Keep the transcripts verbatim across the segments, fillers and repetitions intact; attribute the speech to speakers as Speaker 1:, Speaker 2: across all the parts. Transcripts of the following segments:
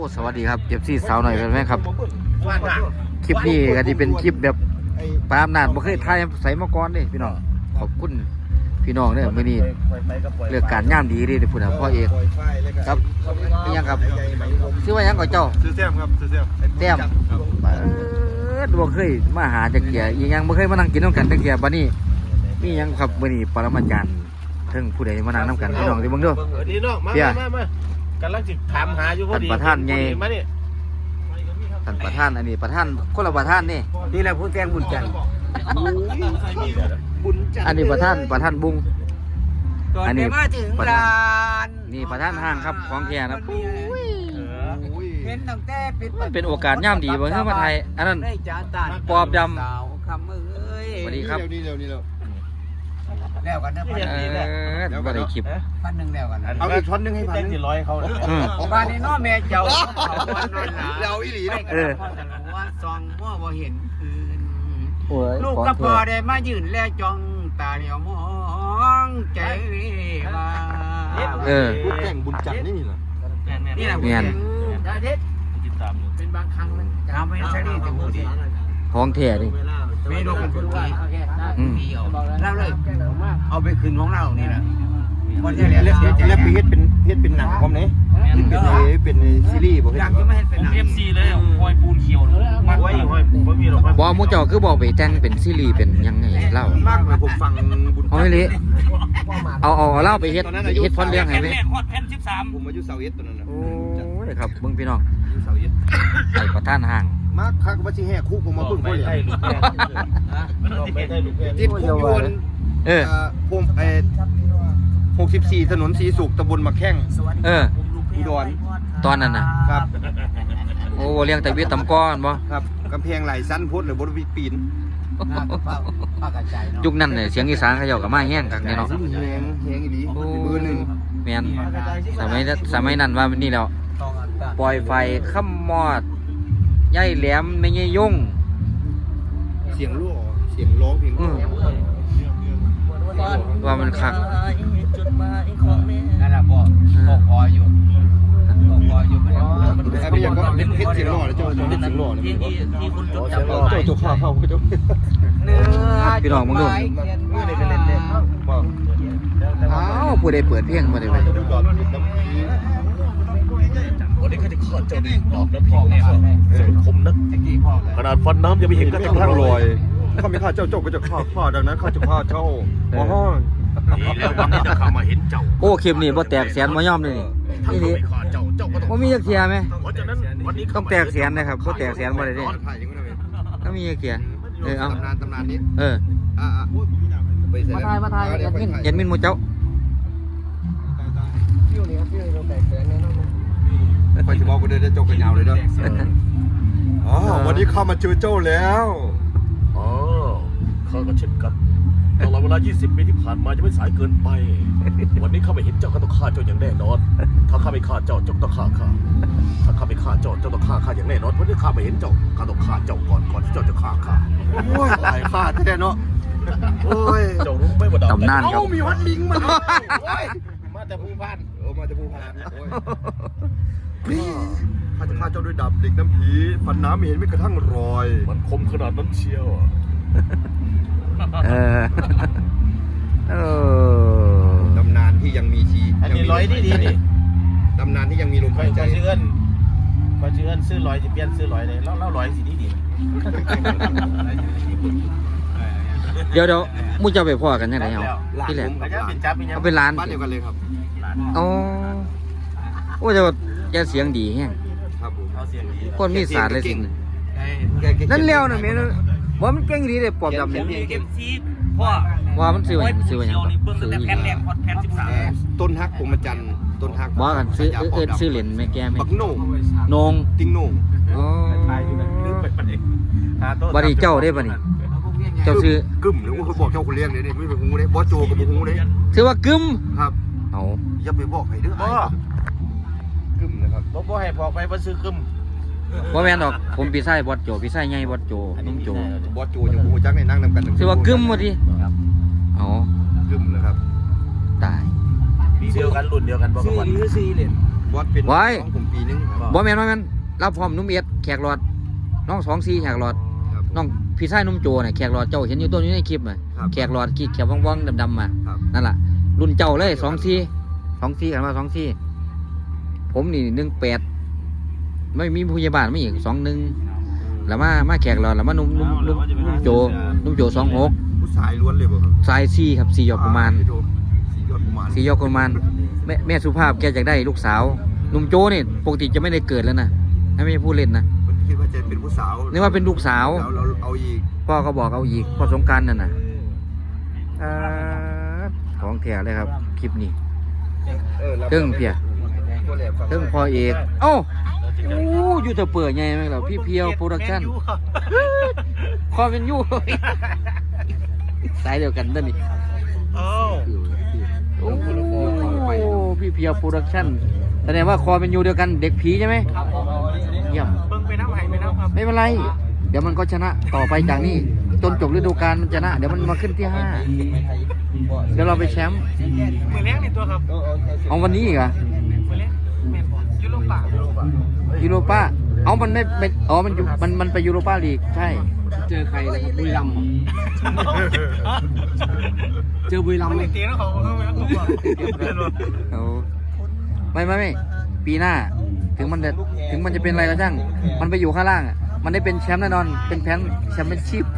Speaker 1: สวัสดีครับเจ็บซี่สาวหน่อยเป็นไหมครับคลิปนี้ก็ที่เป็นคลิปแบบปามนานบ่เคยถ่ายใส่มาก่อนเด้พี่น้องขอบคุณพี่น้องเนี่ยมื้อนี้เรื่องการย่ามดีเด้พุ่นน่ะพ่อเอกครับเป็นยังครับชื่อว่าหยังก่อนเจ้า
Speaker 2: ซื้อแซมครับซื้อแซม
Speaker 1: แต้มเปิดบ่เคยมาหาจักเกียอีหยังบ่เคยมานั่งกินนำกันจักเกียบัดนี้มีหยังครับมื้อนี้ปรมาจารย์เทิงผู้ใดมานั่งนำกันพี่น้องสิเบิ่งเด้อ
Speaker 2: ดีน้องมามามากำลังสิถามหาอยู่พอดี
Speaker 1: ท่านประธานใหญ่
Speaker 2: มานี่
Speaker 1: ท่านประธานอันนี้ประธานคนละประธานนี่
Speaker 3: นี่แหละผู้แทนบุญจันทร์บุญจันทร์
Speaker 1: อันนี้ประธานประธานบุ้ง
Speaker 3: อันนี้มาถึงร้าน
Speaker 1: นี่ประธานห้างครับของแท้นะ
Speaker 3: เห็นตั้งแต่ปิด
Speaker 1: เป็นโอกาสย่ำดีบ่เฮ้ยมาไทยอันนั้นปอบดำสวัสดีครับ
Speaker 3: แล้วกันนะพัน
Speaker 1: แล้วก็ได้คลิป
Speaker 3: พันหนึ่งแล้วกัน
Speaker 2: เอาอีกช้อนนึงให้พันสี่ร้อยเขา
Speaker 3: บ้านนี้น้อแม่เจ้า
Speaker 2: เราอีหลี
Speaker 3: เออว่าซองมั่วบ่เห็นคืนลูกก็พอได้มายืนแลจ้องตาเหลียวมองใจว่า
Speaker 1: เออ
Speaker 2: แต่งบุญจันทร์นี่เหรอ
Speaker 3: นี่แหละ
Speaker 1: เงียน
Speaker 3: เป็นบางครั้งมันทำให้เสรีแต่ผู้ดี
Speaker 1: ของแท้ดิ
Speaker 3: ไม่รู้เป็นคนดีเล่าเลยเอาไปคืนของเรานี่แหละคนที่เรียน
Speaker 2: แล้วไปเฮ็ดเป็นเฮ็ดเป็นหนังพร้อมนี้เป็นเป็นซีรีส์บ่เฮ็ด
Speaker 3: อยากจะไม่ให้เป็นหนัง
Speaker 4: เอฟซีเลยหอยปูนเขียว
Speaker 2: มันไว้หอยบ่มีหรอก
Speaker 1: บ่มูเจ้าคือบอกไปแต่งเป็นซีรีส์เป็นยังไงเล่าม
Speaker 2: ากเลยผมฟังบุญ
Speaker 1: เอาเลยเอาเอาเล่าไปเฮ็ดเฮ็ดพอดเรื่องให้ไหม
Speaker 4: ฮอดแผ่นสิบสาม
Speaker 2: ผมอายุเสาเอ็ดตอนนั้นนะ
Speaker 1: โอ้ยครับเบิ่งพี่น้อง
Speaker 2: เสาเอ็ด
Speaker 1: ไอ้ประธานห้าง
Speaker 2: มากคักว่าสิแห่คุกผมมาเบิ่งบ่ได้ลูกแก่ไม่ได้ลูกแก่ติดคุกอยู่
Speaker 1: เออ
Speaker 2: ผมไอ้หกสิบสี่ถนนศรีสุขตำบลมะแข้ง
Speaker 1: เออ
Speaker 2: อุดร
Speaker 1: ตอนนั้นน่ะ
Speaker 2: ครับ
Speaker 1: โอ้เลี้ยงแต่เวียดตำก้อนบ่
Speaker 2: ครับกำแพงไหลสั้นพุทธหรือบ่ได้ปีน
Speaker 1: ยุคนั้นเนี่ยเสียงอีสานเขาเจ้าก็มาแห้งคักเนาะ
Speaker 2: แฮงแฮงอีหลีเบอร์หนึ่ง
Speaker 1: แม่นสมัยสมัยนั้นว่านี่แล้วปล่อยไฟค่ำมอดใหญ่แหลมไม่ใช่ยุ่ง
Speaker 2: เสียงรั่วเสียงร้องเพลง
Speaker 1: ว่ามันคัก
Speaker 3: นั่นแหละพ่อพ่อพออยู่พ่อพออยู่มัน
Speaker 2: ไอ้พี่ยังก็เล่นเพชรเสียงหล่อแล้วเจ้าเจ้าเล่นเสียงหล่อเลยที่ที่คุณจดจำได้เจ้าจุกข้าวเข้าเจ้า
Speaker 3: เนื้อ
Speaker 1: พี่น้องมึงดู
Speaker 2: มือเด็กก็เล่นเล่น
Speaker 1: อ้าวผู้ใดเปิดเพลงมาได้ไหม
Speaker 4: วันนี้เขาจะข้าเจ้าดีดอกน้ำพริกเนี่ยสมุนคมนักขนาดฟันน้ำยังไม่เห็นกระทั่งทั้งลอย
Speaker 2: ข้าไม่ข้าเจ้าเจ้าก็จะข้าข้าดังนั้นข้าจะข้าเจ้าอ๋อ
Speaker 4: นี่แล้ววันนี้จะข้ามาเห็นเจ้า
Speaker 1: โอ้คลิปนี้บ่แตกแสนบ่ยอมเลยนี่นี่บ่มีจักเทียไหมต้องแตกแสนนะครับบ่แตกแสนบ่ได้เด้ถ้ามีจักเทียเออเอา
Speaker 2: ตำนานตำนานนี้
Speaker 1: เออมาถ่ายมาถ่ายเอ็ดมินเอ็ดมินหมู่เจ้า
Speaker 2: ไปจะบอกกูเดินจะจกกันยาวเลยเด้ออ๋อวันนี้ข้ามาเจอเจ้าแล้ว
Speaker 4: อ๋อข้าก็เช่นกันตลอดเวลายี่สิบปีที่ผ่านมาจะไม่สายเกินไปวันนี้ข้าไม่เห็นเจ้าข้าต้องฆ่าเจ้าอย่างแน่นอนถ้าข้าไม่ฆ่าเจ้าเจ้าต้องฆ่าข้าถ้าข้าไม่ฆ่าเจ้าเจ้าต้องฆ่าข้าอย่างแน่นอนเพราะที่ข้าไม่เห็นเจ้าข้าต้องฆ่าเจ้าก่อนก่อนที่เจ้าจะฆ่าข้า
Speaker 2: โอ้ยตายฆ่าแท้เนาะโอ้ย
Speaker 4: เจ้ารู้ไหมว่าดาว
Speaker 1: ตำนานครับ
Speaker 2: มีวัดลิงมา
Speaker 4: มาแต่ภูพาน
Speaker 2: โอ้มาแต่ภูพานโอ้ยข้าจะฆ่าเจ้าด้วยดาบเหล็กน้ำผีฟันน้ำไม่เห็นไม่กระทั่งรอย
Speaker 4: มันคมขนาดนั้นเชียว
Speaker 1: เออเออ
Speaker 2: ตำนานที่ยังมีชี
Speaker 4: อันนี้ร้อยดีดีนี่
Speaker 2: ตำนานที่ยังมีลมหายใจ
Speaker 4: ชื่อเอิญพอชื่อเอิญซื้อร้อยจะเปลี่ยนซื้อร้อยเลยแล้วแล้วร้อยสิดีดี
Speaker 1: เดี๋ยวเดี๋ยวมุ่งจะไปพ่อกันยังไงเอาที่แหลมเขาเป็นร้าน
Speaker 2: บ้านเดียวกันเลยครับ
Speaker 1: อ๋อโอ้เดี๋ยวแกเสียงดีแฮงคนมีศาสตร์เลยสินั่นเลี้ยวน่ะแม่ว่ามันเก่งดีเลยปอบดำเนี่ยว่ามันซื้อไว้ซื้อไว้ยังซื้อแผ่นแรกแผ่นสิบสาม
Speaker 2: ต้นฮักผมมาจันต้นฮัก
Speaker 1: ว่ากันซื้อเอิ้นซื้อเหรียญแม่แก่แม่
Speaker 2: บักโหน่ง
Speaker 1: นง
Speaker 2: ติงโหน่ง
Speaker 1: อ๋อบัดนี้เจ้าได้บัดนี้เจ้าซื้อก
Speaker 2: ึ่มหรือว่าเขาบอกเจ้าคนเลี้ยงเนี่ยนี่ไม่เป็นหูเลยบอสโจกับหูเลย
Speaker 1: ซื้อว่ากึ่ม
Speaker 2: ครับ
Speaker 1: เอา
Speaker 2: อย่าไปบอกใครเด้อบ่กึ่มนะครับ
Speaker 4: บ่บ่ให้พอไปบ่ซื้อกึ่ม
Speaker 1: บ่แม่นดอกผมพี่ชายบอสโจพี่ชายใหญ่บอสโจนุ่มโจ
Speaker 2: บอสโจยังหูจักในนั่งนำกัน
Speaker 1: ซื้อว่ากึ่มบ่ดิอ๋อก
Speaker 2: ึ่มนะครับ
Speaker 1: ตาย
Speaker 4: ปีเดียวกันรุ่นเดียวกันบ่
Speaker 3: ซื้อหรือซื้อเหรียญ
Speaker 2: บอสเป็น
Speaker 1: ไว้
Speaker 2: น้องผมปีนึงครับ
Speaker 1: บ่แม่นว่าแม่นเราพร้อมนุ่มเอ็ดแขกหลอดน้องสองสี่แขกหลอด
Speaker 2: ครับ
Speaker 1: น้องพี่ชายนุ่มโจเนี่ยแขกหลอดเจ้าเห็นอยู่ตัวนี้ในคลิปอ่ะ
Speaker 2: ครับ
Speaker 1: แขกหลอดขี้เขียวว่องๆดำๆมา
Speaker 2: ครับ
Speaker 1: นั่นล่ะรุ่นเจ้าเลยสองสี่สองสี่กันมาสองสี่ผมนี่หนึ่งแปดไม่มีผู้ใหญ่บ้านไม่อีกสองหนึ่งแล้วมามาแขกหลอดแล้วมานุ่มนุ่มนุ่มนุ่มโจนุ่มโจสองหก
Speaker 2: ผู้ชายล้วนเลยบ่ครับ
Speaker 1: สายสี่ครับสี่ยอดกุมาร
Speaker 2: อ่สี่ยอดกุมาร
Speaker 1: สี่ยอดกุมารแม่แม่สุภาพแกอยากได้ลูกสาวนุ่มโจนี่ปกติจะไม่ได้เกิดแล้วนะให้ไม่ใช่ผู้เล่นนะ
Speaker 2: มันคิดว่าจะเป็นผู้สาว
Speaker 1: นึกว่าเป็นลูกสาว
Speaker 2: แล้วเราเอาอีก
Speaker 1: พ่อก็บอกเอาอีกพ่อสงกรารนั่นน่ะอ่าของแท้เลยครับคลิปนี้
Speaker 2: เออรับ
Speaker 1: เรื่องเพีย
Speaker 2: ตัวแหลมฟัง
Speaker 1: เรื่องพ่อเอกเอ้าโอ้ยูทูบเปิดไงไหมล่ะพี่เพียวโปรดักชั่นคอเป็นยู สายเดียวกันนั่นนี่
Speaker 4: อ้าว
Speaker 1: โอ้พี่เพียวโปรดักชั่นแสดงว่าคอเป็นยูเดียวกันเด็กผีใช่ไหมเยี่ยม
Speaker 3: เบิ่งไปน้ำไห้ไปน้ำครับ
Speaker 1: ไม่เป็นไร เดี๋ยวมันก็ชนะต่อไปจากนี้จนจบฤดูกาลมันชนะ เดี๋ยวมันมาขึ้นที่ห้าเดี๋ยวเราไปแชมป์
Speaker 3: มือเลี้ยงในตัวครับ
Speaker 1: เอาวันนี้อีกเหรอ
Speaker 3: มือเลี้ยงแม่นบ่ยูโรป่า
Speaker 1: ยูโรป้าเอามันไม่เป็นอ๋อมันอยู่มันมันไปยูโรป้าลีกใช่
Speaker 3: เจอใครนะครับบุรีรัมย์เจอบุรีรัมย์ไหมเตี้ยนะเขา
Speaker 1: เอา
Speaker 3: เขา
Speaker 1: ไม่ไม่ไม่ปีหน้า ถึงมันจะถึงมันจะเป็นอะไรก็ช่างมันไปอยู่ข้างล่างอ่ะมันได้เป็นแชมป์แน่นอนเป็นแชมป์แชมเปี้ยนชิพ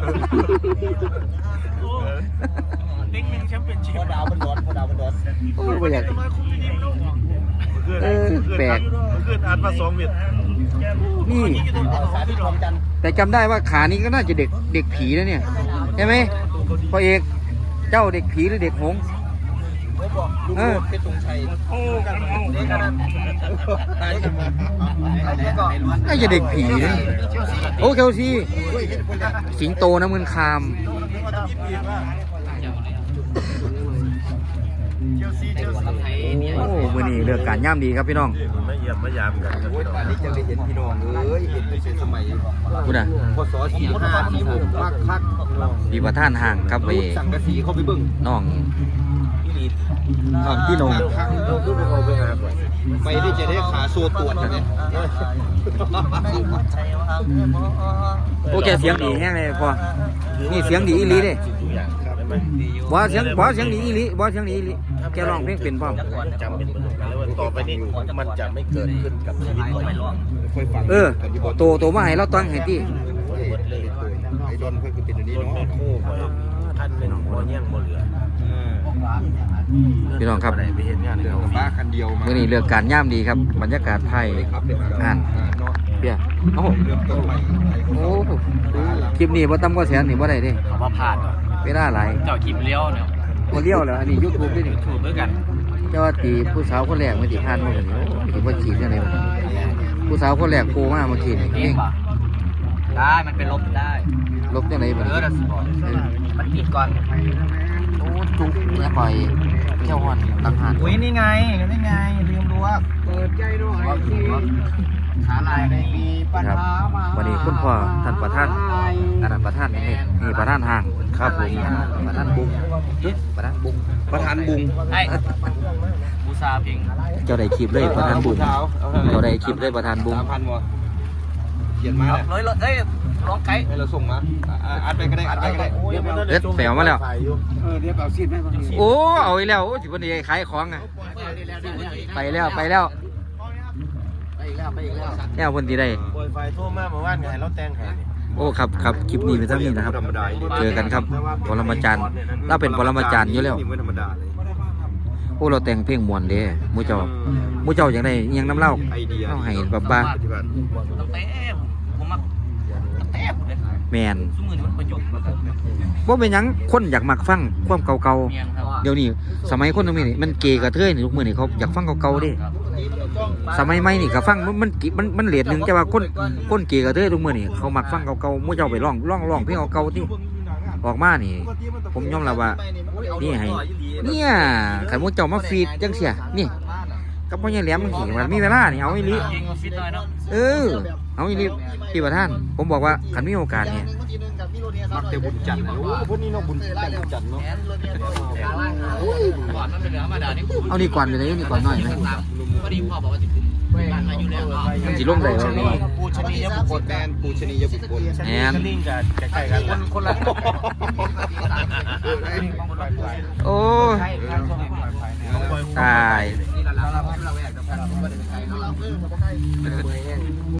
Speaker 3: เด็กหนึ่งแชมเปี้ยนชิพ
Speaker 2: พอดาวมันร้อนพอดาวมันร้อน
Speaker 1: โอ้ยบ่อยากเออแปลก
Speaker 4: เพื่อนอ่านมาสองเม็ด
Speaker 1: นี่
Speaker 2: สาธิตรวมกัน
Speaker 1: แต่จำได้ว่าขานี้ก็น่าจะเด็กเด็กผีนะเนี่ยใช่ไหมพ่อเอกเจ้าเด็กผีหรือเด็กหงส์
Speaker 2: ลูก
Speaker 1: เออ
Speaker 2: เพชรตรงชัย
Speaker 3: โอ้กันเอา
Speaker 2: เด็กกันตายกันก็
Speaker 1: น่าจะเด็กผีนะโอ้เคลซีสิงโตน้ำเงินคาม
Speaker 3: เชลซีเชลซี
Speaker 1: โอ้มือนี้เลือกการย่ำดีครับพี่น้อง
Speaker 4: ไม่เยี่ยมไม่ยามกันครับ
Speaker 2: โอ้ยป่านนี้จะได้เห็นพี่น้องเอ้ยเห็นเป็นสมัย
Speaker 1: พูดนะ
Speaker 2: พศสี่ห้าสี่หกมากคัก
Speaker 1: ดีประท่านห่างครับไป
Speaker 2: รูดสังกะสีเข้าไปเบิ่ง
Speaker 1: น้องน้องพี่นง
Speaker 2: ไปได้จะได้ขาโซตรวจนะเนี่ย
Speaker 1: โอ้แกเสียงดีแห้งเลยพอนี่เสียงดีอีหลีเด้บ่เสียงบ่เสียงดีอีหลีบ่เสียงดีอีหลีแกร้องเพลงเป็นพร้อม
Speaker 4: จำเป็นเหมือนกันเลยว่าต่อไปนี้มันจะไม่เกิดขึ้นกับชีวิตเรา
Speaker 2: ค่อยฟัง
Speaker 1: เออโตโตมาให้เราตั้งให้ที่
Speaker 2: ไอ้ดอนเพื่อนคือเป็นอันนี้
Speaker 4: รถ
Speaker 2: เนาะ
Speaker 4: แม่คู่ท่านเป็นหัวเงี้ยงบ่เหลือ
Speaker 1: พี่น้องครับ
Speaker 4: ไปเห็นงาน
Speaker 2: เดือ
Speaker 4: เขา
Speaker 2: กับบ้าคันเดียวมา
Speaker 1: มื่อนี้เลือกการย่ำดีครับบรรยากาศไทย
Speaker 2: ครับเดี๋ยว
Speaker 1: อ่าน
Speaker 2: เนาะ
Speaker 1: เปียโอ้โห
Speaker 2: เริ่มต้นใหม่
Speaker 1: โอ้โหคลิปนี้บ่ต่ำกว่าแสนนี่บ่ได้เด้
Speaker 3: เขามาผ่าน
Speaker 1: เวลาหลาย
Speaker 3: เจ้าคลิปเลี้ยวเนี่ย
Speaker 1: บ่เลี้ยวแล้วอันนี้ YouTube ด้วยนี่
Speaker 3: ถูกด้วยกัน
Speaker 1: เจ้าว่าตีผู้สาวคนแรกไม่ติผ่านมาคนนี้โอ้สิบ่ฉีดจังได๋ผู้สาวคนแรกโผล่มาเมื่อกี้นี่
Speaker 3: เอ
Speaker 1: เอง ง
Speaker 3: ป่ะได้มันเป็นลบได้
Speaker 1: ลบจังได๋บ่
Speaker 3: เออดัสบอลมันปิดก่อน
Speaker 1: โอ้จุกแม่ปล่อยเที่ยวฮ้อนตังหาน
Speaker 3: อุ้ยนี่ไงนี่ไงลืมดูว่าเปิดใจหน่อยขาลายในมีปัญ
Speaker 1: ครับ
Speaker 3: หามา
Speaker 1: วันนี้คุณพ่อท่านประธานอันนั้นประธานนี่นี่ประธานห้างครับผมประธานบุ้งประธานบุ้ง
Speaker 2: ประธานบุง
Speaker 3: ไอ้บูซาเพ่ง
Speaker 1: เจ้าได้คลิปเลยประธานบุ้งเจ้าได้คลิปเลยประธานบุ้ง
Speaker 2: สามพันวะเขียนมาเลย
Speaker 3: เลยเลยเอ้ยร้องไก่
Speaker 2: ให้เราส่งมาอัดไปก็ได้อัดไปก็ได้
Speaker 1: เอ็ดแปลมาแล้ว
Speaker 3: เออเดี๋ยวเอาซีดให้บางที
Speaker 1: โอ้เอาอีกแล้วโอ้สิวันนี้ขายของอ่ะไปแล้วไปแล้ว
Speaker 3: ไปอีกแล้วไปอีกแล้ว
Speaker 1: แนวคนที่ได้
Speaker 4: ปล่อยไฟโทรมาเมื่อวานไงเราแต่งให้
Speaker 1: โอ้ครับครับคลิปนี้เป็นเท่านี้นะครับ
Speaker 2: ธรรมดา
Speaker 1: เจอกันครับปรมาจารย์เราเป็นปรมาจารย์อยู่แล้ว
Speaker 2: นี่ไม่ธรรมดาเลย
Speaker 1: โอ้เราแต่งเพลงมวนเด้หมูเจ้าหมูเจ้าอย่างไรยังน้ำเล่า
Speaker 2: ไอเดีย
Speaker 1: เอาให้แบบบ้า
Speaker 2: ปฏิบัติ
Speaker 3: ตั้งแต่ผมมาตั้งแต่ผมเลย
Speaker 1: แมน
Speaker 3: สมือมันประยุกต์มาครับ
Speaker 1: ว่าเป็นหยังคนอยากมักฟังความเก่า
Speaker 3: เมียนครับ
Speaker 1: ๆเดี๋ยวนี้สมัยคนตรงนี้นี่มันเกย์กับเทยนี่ทุกมือนี่เขาอยากฟังเก่าๆเด้สมัยใหม่นี่ก็ฟังมันมันมันมันเลทหนึ่งแต่ว่าคนคนเกย์กับเทยทุกมือนี่เขามักฟังเก่าๆหมูเจ้าไปร้องร้องร้องเพลงเก่าๆที่ออกมานี่ ผมยอมรับว่านี่ให้เนี่ยขันหมูเจ้ามาฟีดจังเสียนี่กับพ่อใหญ่แหลมมันขี่มันมีเวลานี่เอาอีหลี
Speaker 3: ยิงมาฟิตหน่อยเนาะ
Speaker 1: เออเอาอีหลีพี่ประธานผมบอกว่าคันมีโอกาสเนี่ย
Speaker 2: มักแต่บุญจันทร์นะโอ้พวกนี้เนาะบุญแต่บุญจันทร์เนาะ
Speaker 3: ก่อนมันเป็นธรรมดานี่
Speaker 1: เอานี่ก่อนไปเลยนี่ก่อนหน่อยไหม
Speaker 3: พอดีพ่อบอกว่าจะบ้านมาอยู่แล้วเนาะ
Speaker 1: มันสิลงได้บ่นี่
Speaker 3: ปูชนียบุคคล
Speaker 2: แมนปูชนียบุคคล
Speaker 1: แอน
Speaker 3: ลิงกับใกล้ๆกันคนคนละ
Speaker 1: โอ้ยตาย
Speaker 3: นี่เราเราเราแวกกับเราไม่ได้ใกล้เนาะ